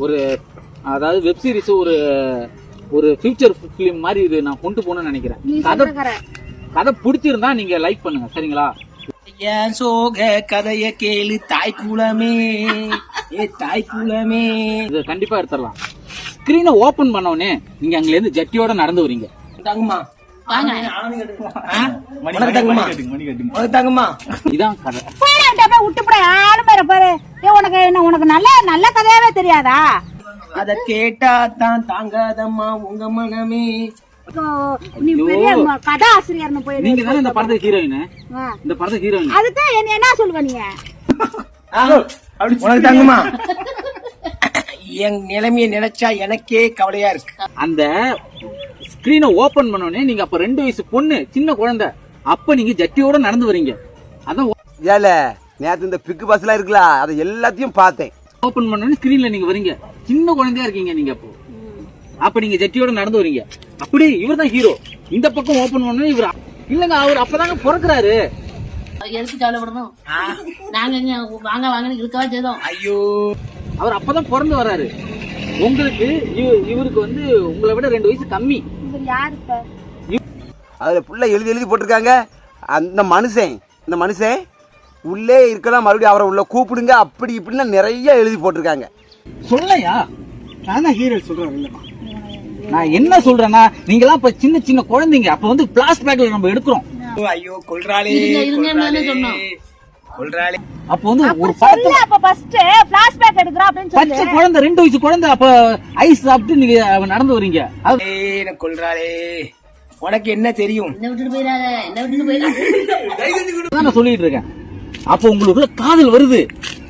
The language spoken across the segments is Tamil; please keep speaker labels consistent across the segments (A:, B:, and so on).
A: ஒரு அதாவது வெப் சீரிஸ் ஒரு ஒரு ஃபியூச்சர் ஃபிலிம் மாதிரி இது நான் கொண்டு போகணும்னு நினைக்கிறேன். கதை பிடிச்சிருந்தா நீங்க லைக் பண்ணுங்க, சரிங்களா?
B: ஏன் சோக கதைய கேளு தாய் குலமே, ஏ தாய் குலமே.
A: இது கண்டிப்பா எடுத்துடலாம். ஸ்கிரீனை ஓபன் பண்ணோடனே நீங்க அங்க இருந்து ஜட்டியோட நடந்து வரீங்க. இதான் கதை.
C: உனக்கு நல்ல கதையாவே தெரியாதா?
B: அத கேட்டா தான் தாங்காதம்மா உங்க மனமே.
C: நீ பெரிய கதை ஆசிரியர்னு போய்
A: நீங்க தானே இந்த படத்துக்கு ஹீரோயின். இந்த படத்துக்கு ஹீரோயின்
C: அதுதான் என்ன சொல்லுவ நீங்க?
B: உனக்கு தாங்குமா? என் நிலைமையை நினைச்சா எனக்கே கவலையா இருக்கு.
A: அந்த ஸ்கிரீனை ஓபன் பண்ணோடனே நீங்க அப்ப 2 வயசு பொண்ணு சின்ன குழந்தை, அப்ப நீங்க ஜட்டியோட நடந்து வரீங்க. அதான்
D: ஏல நேத்து இந்த பிக்கு பஸ்லாம் இருக்குல்ல, அதை எல்லாத்தையும் பார்த்தேன்.
A: ஓபன் பண்ணோடனே ஸ்கிரீன்ல நீங்க வரீங்க, சின்ன குழந்தையா இருக்கீங்க நீங்க. அப்ப நீங்க ஜட்டியோட நடந்து வரீங்க. அப்படி இவர் தான் ஹீரோ. இந்த பக்கம் ஓபன் பண்ணோடனே இவர் இல்லங்க, அவர் அப்பதாங்க பிறக்குறாரு.
E: எதுக்கு கவலைப்படணும்? நாங்க வாங்க வாங்கன்னு இருக்கவா செய்தோம்.
B: ஐயோ,
A: அவர் அப்பதான் பிறந்து வர்றாரு. உங்களுக்கு இவருக்கு வந்து உங்களை விட 2 வயசு கம்மி.
D: அதுல புள்ள எழுதி போட்டிருக்காங்க. அந்த மனுஷன் உள்ளே இருக்கலாம், மறுபடியும் அவரை உள்ள கூப்பிடுங்க, அப்படி இப்படின்னா நிறைய எழுதி போட்டிருக்காங்க.
A: சொல்லையா? நான் தான் ஹீரோ சொல்றேன் இல்லமா. நான் என்ன சொல்றேன்னா, நீங்களாம் இப்ப சின்ன சின்ன குழந்தைங்க. அப்ப வந்து பிளாஸ்டிக் பேக்ல நம்ம எடுக்கிறோம்.
B: ஐயோ கொல்றாளே கொல்றாளே.
A: அப்ப வந்து ஒரு படத்துல
C: அப்ப ஃபர்ஸ்ட் ஃபிளாஷ் பேக் எடுக்கறோம் அப்படினு சொல்லி
A: பச்சை குழந்தை 2 வயசு குழந்தை அப்ப ஐஸ் சாப்பிட்டு நீங்க நடந்து வரீங்க.
B: என்ன கொல்றாளே, உனக்கு என்ன தெரியும்?
E: என்ன விட்டுட்டு போயிடாத.
A: நான் சொல்லிட்டு இருக்கேன். அப்ப உங்களுக்குள்ள காதல் வருது.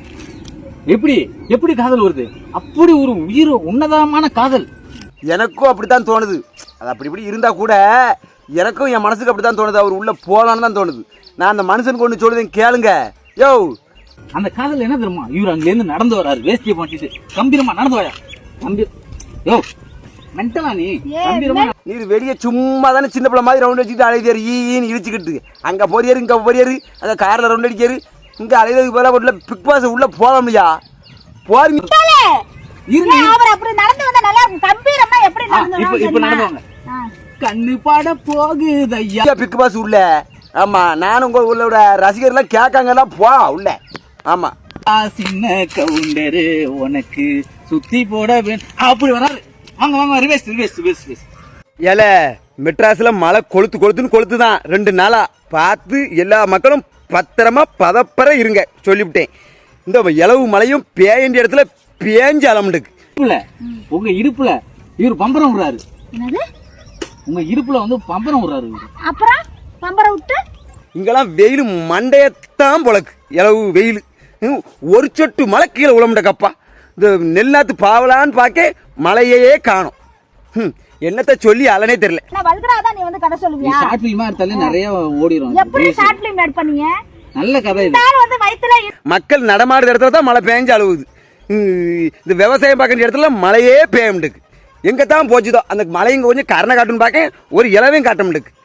A: எப்படி காதல் வருது? அப்படி ஒரு உயிர் உன்னதமான காதல்.
D: எனக்கும் அப்படித்தான் தோணுது. அது அப்படி இப்படி இருந்தா கூட எனக்கும் என் மனசுக்கு அப்படித்தான் தோணுது. அவர் உள்ள போலான்னு தான் தோணுது. நான் அந்த மனுஷனுக்கு ஒண்ணு சொல்லுதேன் கேளுங்க. யோ,
A: அந்த காதல் என்ன தெரியுமா? இவர் அங்க இருந்து நடந்து வராரு, வேஷ்டியை பண்ணிட்டு கம்பீரமா நடந்து வாயா. யோ மென்டலா
D: நீர் வெளியே சும்மா தானே சின்ன பிள்ளை மாதிரி ரவுண்ட் அடிச்சுட்டு அழைதாரு, ஈன்னு இழிச்சுக்கிட்டு அங்க போறியாரு இங்க போறியாரு, அந்த கார்ல ரவுண்ட் அடிக்காரு, இங்க அழைததுக்கு போல உள்ள பிக் பாஸ் உள்ள போக முடியா? போறீங்க
C: அவர் அப்படி நடந்து வந்தா நல்லா இருக்கும். கம்பீரமா எப்படி
A: நடந்துவாங்க? கண்ணு பாட போகுது ஐயா
D: பிக் பாஸ் உள்ள. ஆமா, நானும் உங்க உள்ளோட ரசிகர்லாம் கேட்காங்கலாம் போ உள்ள. ஆமா,
A: சின்ன கவுண்டரு உனக்கு சுத்தி போட அப்படி வராது. வாங்க ரிவேஸ்.
D: ஏல மெட்ராஸ்ல மழை கொளுத்துதான் 2 நாளா. பார்த்து எல்லா மக்களும் பத்திரமா பதப்பற இருங்க சொல்லிவிட்டேன். இந்த இளவு மழையும் பேயண்ட இடத்துல பேஞ்சு அலமுண்டுக்கு.
A: உங்க இடுப்புல இவர் பம்பரம் விடுறாரு. உங்க இடுப்புல வந்து பம்பரம் விடுறாரு.
C: அப்புறம் பம்பரம் விட்டு
D: இங்கெல்லாம் வெயில் மண்டையத்தான் பொழக்கு. இளவு வெயில், ஒரு சொட்டு மழை கீழே உழமுண்ட கப்பா. இந்த நெல்நாத்து பாவலான்னு பார்க்க மழையே காணும். என்னத்த சொல்லி அலனே தெரியல.
C: நீ வந்து கதை சொல்லுவியா?
A: ஷார்ட் ஃபிலிமா எடுத்தாலே நிறைய ஓடிரும்.
C: எப்படி ஷார்ட் ஃபிலிம் மேட் பண்ணீங்க?
A: நல்ல கதை இது.
C: வந்து வயித்துல
D: மக்கள் நடமாடுற இடத்துல தான் மழை பேஞ்சு அழுவுது. இந்த விவசாயம் பார்க்குற இடத்துல மழையே பேயமுண்டுக்கு. எங்க தான் போச்சுதோ அந்த மழை இங்க கொஞ்சம் கரணை காட்டுன்னு பார்க்க ஒரு இலவையும் காட்ட முடியுது.